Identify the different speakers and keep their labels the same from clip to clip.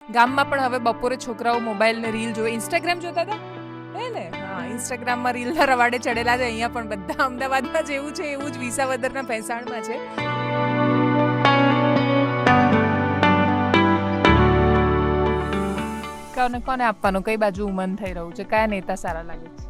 Speaker 1: ગામમાં પણ હવે બપોરે છોકરાઓ મોબાઈલ ને રીલ જોવે. ઇન્સ્ટાગ્રામ જોતા હતા હે ને? હા, ઇન્સ્ટાગ્રામમાં રીલના રવાડે ચડેલા છે. અહીંયા પણ બધા અમદાવાદમાં જેવું છે એવું જ વિસાવદરના ભેંસાણમાં છે. કોને આપવાનું, કઈ બાજુ ઉમન થઈ રહ્યું છે, કયા નેતા સારા લાગે છે?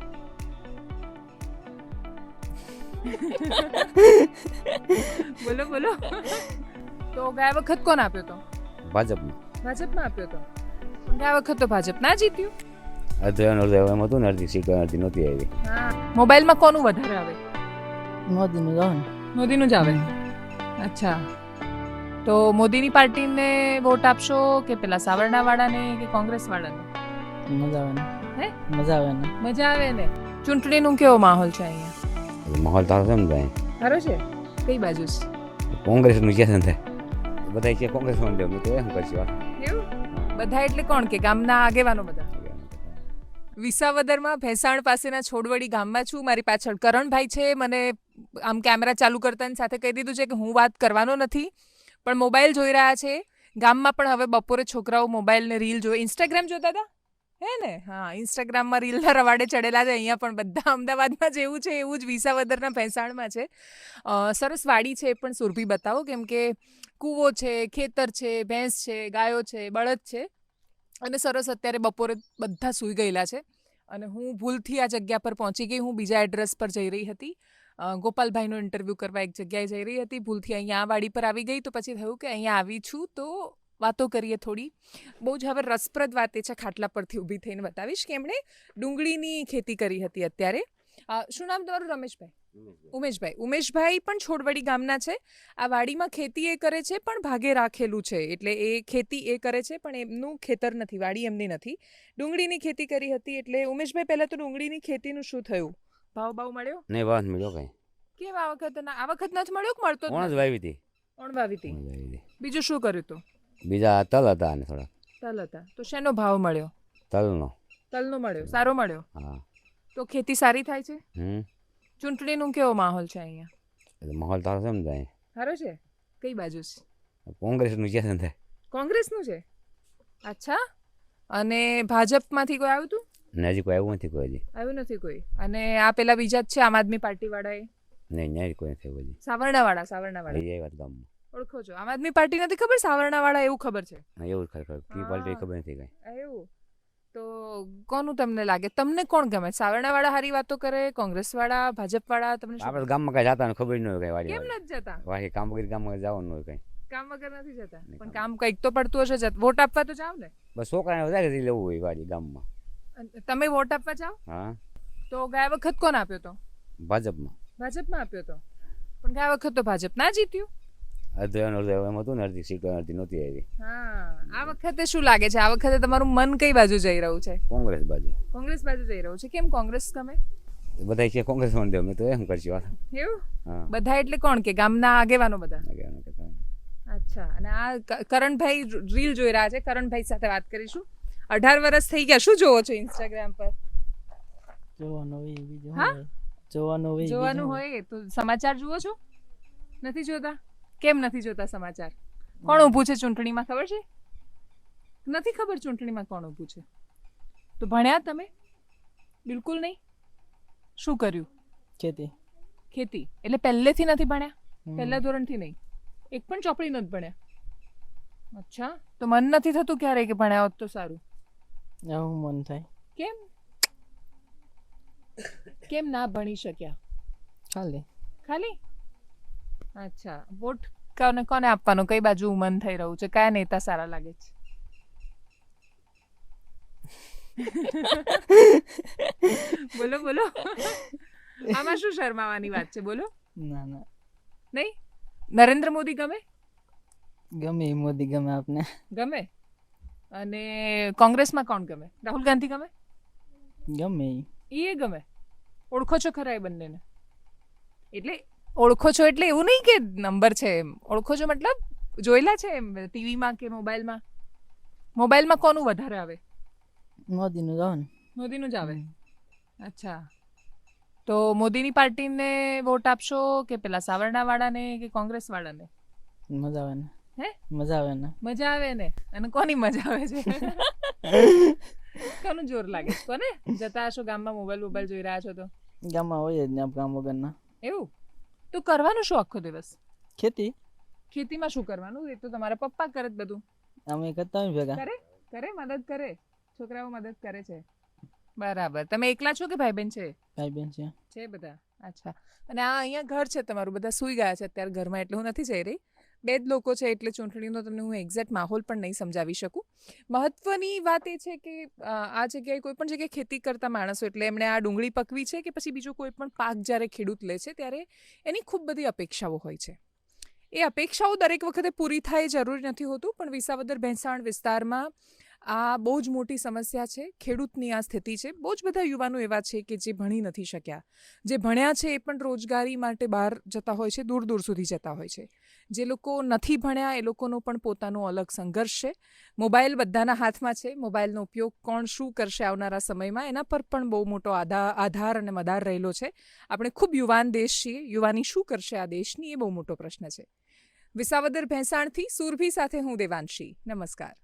Speaker 1: બોલો બોલો. તો ગયા વખત કોણ આપ્યો તો? ભાજપમાં આપ્યો તો. પણ ગયા વખત તો ભાજપ ના જીત્યું.
Speaker 2: અડધો એમ હતું ને, અડધી સીટ અડધી નહોતી આવી.
Speaker 1: હા, મોબાઈલમાં કોનું વધારે આવે?
Speaker 3: મોદીનું જ આવે ને.
Speaker 1: મોદીનું જ આવે. અચ્છા, તો મોદીની પાર્ટીને વોટ આપશો કે પેલા સાવરણા વાળાને કે કોંગ્રેસ વાળાને?
Speaker 3: મજા આવે ને.
Speaker 1: હે?
Speaker 3: મજા આવે ને.
Speaker 1: મજા આવે ને. ચૂંટણીનું કેવો માહોલ છે અહીંયા?
Speaker 2: માહોલ તારો છે ને ભાઈ,
Speaker 1: સારો છે. કઈ બાજુ છે?
Speaker 2: કોંગ્રેસનું છે ને, બધા છે કોંગ્રેસ માં દેવું તો એમ કરશે વાત.
Speaker 1: એવું બધા એટલે કોણ કે ગામના આગેવાનો બધા? વિસાવદરમાં ભેંસાણ પાસેના છોડવડી ગામમાં છું. મારી પાછળ કરણભાઈ છે. મને આમ કેમેરા ચાલુ કરતાની સાથે કહી દીધું છે કે હું વાત કરવાનો નથી, પણ મોબાઈલ જોઈ રહ્યા છે. ગામમાં પણ હવે બપોરે છોકરાઓ મોબાઈલ ને રીલ જોવે. ઇન્સ્ટાગ્રામ જોતા હતા હે ને? હા, ઇન્સ્ટાગ્રામમાં રીલના રવાડે ચડેલા છે. અહીંયા પણ બધા અમદાવાદમાં જેવું છે એવું જ વિસાવદરના ભેંસાણમાં છે. સરસ વાડી છે, એ પણ સુરભી બતાવો, કેમ કે કૂવો છે, ખેતર છે, ભેંસ છે, ગાયો છે, બળદ છે. અને સરસ અત્યારે બપોરે બધા સૂઈ ગયેલા છે અને હું ભૂલથી આ જગ્યા પર પહોંચી ગઈ. હું બીજા એડ્રેસ પર જઈ રહી હતી. ગોપાલભાઈનો ઇન્ટરવ્યૂ કરવા એક જગ્યાએ જઈ રહી હતી. ભૂલથી અહીંયા આ વાડી પર આવી ગઈ, તો પછી થયું કે અહીંયા આવી છું તો વાતો કરીએ થોડી. બહુ જ હવે રસપ્રદ વાત એ છે, ખાટલા પરથી ઊભી થઈને બતાવીશ કે એમણે ડુંગળીની ખેતી કરી હતી અત્યારે. શું નામ તમારું? રમેશભાઈ? ઉમેશભાઈ પણ છોડવડી ગામના છે. આ વાડીમાં ખેતી એ કરે છે, પણ ભાગે રાખેલું છે. એટલે એ ખેતી એ કરે છે, પણ એમનું ખેતર નથી, વાડી એમની નથી. ડુંગળીની ખેતી કરી હતી. એટલે ઉમેશભાઈ, પહેલા તો ડુંગળીની ખેતીનું શું થયું? ભાવ મળ્યો?
Speaker 2: નહીં, વાત મળ્યો કઈ.
Speaker 1: કેમ આ વખત નથી મળ્યો કે મળતો?
Speaker 2: કોણ જ વાવી હતી?
Speaker 1: કોણ વાવી હતી? બીજું શું કર્યું હતું?
Speaker 2: બીજા તલ હતા અને થોડા
Speaker 1: તલ હતા. તો શેનો ભાવ મળ્યો? તલનો મળ્યો. સારો મળ્યો.
Speaker 2: હા.
Speaker 1: તો ખેતી સારી થાય છે. ચૂંટણીનું કેવો માહોલ છે અહીંયા?
Speaker 2: માહોલ તારો છે ને ભાઈ,
Speaker 1: સારો છે. કઈ બાજુ છે?
Speaker 2: કોંગ્રેસનું છે ને.
Speaker 1: કોંગ્રેસનું છે. અચ્છા, અને ભાજપમાંથી કોઈ આવ્યું હતું?
Speaker 2: ને હજી કોઈ આવ્યું નથી.
Speaker 1: આવ્યું નથી કોઈ. અને આ પેલા બીજા જ છે આમ આદમી પાર્ટી વાળા?
Speaker 2: નહીં, ન્યાય કોઈ નથી આવ્યું હજી.
Speaker 1: સાવરણા વાળા
Speaker 2: એ વાત ગામમાં
Speaker 1: ઓળખો છો? આમ આદમી પાર્ટી નથી ખબર, સાવરણા વાળા એવું ખબર છે.
Speaker 2: એવું ખરેખર કી પાર્ટી ખબર નથી કઈ.
Speaker 1: એવું તો કોનું તમને લાગે? તમને કોણ ગમે? સાવરણા વાળા હારી વાતો કરે, કોંગ્રેસ વાળા, ભાજપ વાળા? તમને
Speaker 2: આપણે ગામમાં કઈ જતા ખબર ન હોય કઈ. વાડી
Speaker 1: કેમ નથી જતા?
Speaker 2: વાડી કામ વગર ગામમાં જવાનું હોય કઈ.
Speaker 1: કામ વગર નથી જતા, પણ કામ કંઈક તો પડતું હશે. વોટ આપવા તો જાવ ને?
Speaker 2: બસ છોકરાને વધારે લેવું હોય વાડી ગામમાં.
Speaker 1: તમે વોટ આપવા જાવ?
Speaker 2: હા.
Speaker 1: તો ગયા વખત કોણ આપ્યો તો? ભાજપમાં આપ્યો તો. પણ ગયા વખત તો ભાજપ ના જીત્યું.
Speaker 2: અડધો એમ હતું ને, અડધી સીટ અડધી નહોતી આવી.
Speaker 1: હા, આ વખતે શું લાગે છે? આ વખતે તમારું મન કઈ બાજુ જઈ રહ્યું છે?
Speaker 2: કોંગ્રેસ બાજુ
Speaker 1: જઈ રહ્યું છે. કેમ કોંગ્રેસ ગમે?
Speaker 2: બધા છે કોંગ્રેસ માં દેવું તો એમ કરશે વાત.
Speaker 1: એવું?
Speaker 2: હા.
Speaker 1: બધા એટલે કોણ કે ગામના આગેવાનો બધા? અચ્છા. અને આ કરણભાઈ રીલ જોઈ રહ્યા છે. કરણભાઈ સાથે વાત કરીશું. 18 વર્ષ થઈ ગયા. શું જોવો છો ઇન્સ્ટાગ્રામ પર? જોવાનું હોય તો સમાચાર જુઓ છો? નથી જોતા? કેમ નથી જોતા સમાચાર? કોણ ઊભું છે ચૂંટણીમાં ખબર છે? નથી ખબર ચૂંટણીમાં કોણ ઊભું છે? તો ભણ્યા તમે? બિલકુલ નહીં. શું કર્યું? ખેતી. એટલે પહેલેથી નથી ભણ્યા? પહેલા ધોરણથી નહીં? એક પણ ચોપડી નથી ભણ્યા? અચ્છા, તો મન નથી થતું ક્યારે કે ભણ્યા હોત તો સારું?
Speaker 3: મન થાય.
Speaker 1: કેમ ના ભણી શક્યા? ખાલી? અચ્છા. વોટ કોને આપવાનો, કઈ બાજુ મન થઈ રહ્યું છે, કયા નેતા સારા લાગે છે? બોલો. આમાં શું શરમાવાની વાત છે? બોલો.
Speaker 3: ના
Speaker 1: નહીં? નરેન્દ્ર મોદી ગમે?
Speaker 3: મોદી ગમે આપને.
Speaker 1: ગમે. અને કોંગ્રેસમાં કોણ ગમે? રાહુલ ગાંધી ગમે? એ ગમે. ઓળખો છો ખરા એ બંનેને? એટલે ઓળખો છો એટલે એવું નહીં કે નંબર છે એમ. ઓળખો છો મતલબ જોયેલા છે એમ ટીવીમાં કે મોબાઈલમાં? મોબાઈલમાં કોનું વધારે આવે? મોદીનું જ આવે. અચ્છા, તો મોદીની પાર્ટીને વોટ આપશો કે પેલા સાવરણા વાળાને કે કોંગ્રેસ વાળાને?
Speaker 3: મજા આવે ને.
Speaker 1: હે
Speaker 3: મજા આવે ને
Speaker 1: મજા આવે ને અને કોની મજા આવે છે કોનું જોર લાગે છે કોને જતા હશો ગામમાં મોબાઈલ જોઈ રહ્યા છો તો
Speaker 3: ગામમાં હોય જ ને આપ કામ વગરના
Speaker 1: એવું તો કરવાનું શું આખો દિવસ
Speaker 3: ખેતી
Speaker 1: ખેતીમાં શું કરવાનું એ તો તમારા પપ્પા કરે જ બધું
Speaker 3: અમે કરતા હોય ભેગા
Speaker 1: કરે મદદ કરે છોકરાઓ મદદ કરે છે બરાબર તમે એકલા છો કે ભાઈ બહેન છે
Speaker 3: ભાઈ બેન છે
Speaker 1: છે બધા અચ્છા અને આ અહીંયા ઘર છે તમારું બધા સૂઈ ગયા છે અત્યારે ઘરમાં એટલે હું નથી જઈ રહી બે જ લોકો છે એટલે ચૂંટણીનો તમને હું એક્ઝેક્ટ માહોલ પણ નહીં સમજાવી શકું મહત્વની વાત એ છે કે આ જગ્યાએ કોઈ પણ જગ્યાએ ખેતી કરતા માણસો એટલે એમણે આ ડુંગળી પકવી છે કે પછી બીજો કોઈ પણ પાક જ્યારે ખેડૂત લે છે ત્યારે એની ખૂબ બધી અપેક્ષાઓ હોય છે એ અપેક્ષાઓ દરેક વખતે પૂરી થાય એ જરૂરી નથી હોતું પણ વિસાવદર ભેંસાણ વિસ્તારમાં આ બહુ જ મોટી સમસ્યા છે ખેડૂતની આ સ્થિતિ છે બહુ જ બધા યુવાનો એવા છે કે જે ભણી નથી શક્યા જે ભણ્યા છે એ પણ રોજગારી માટે બહાર જતા હોય છે દૂર દૂર સુધી જતા હોય છે જે લોકો નથી ભણ્યા એ લોકોનો પણ પોતાનો અલગ સંઘર્ષ છે મોબાઈલ બધાના હાથમાં છે મોબાઈલનો ઉપયોગ કોણ શું કરશે આવનારા સમયમાં એના પર પણ બહુ મોટો આધાર અને મદાર રહેલો છે આપણે ખૂબ યુવાન દેશ છીએ યુવાની શું કરશે આ દેશની એ બહુ મોટો પ્રશ્ન છે વિસાવદર ભેંસાણથી સુરભી સાથે હું દેવાંશી નમસ્કાર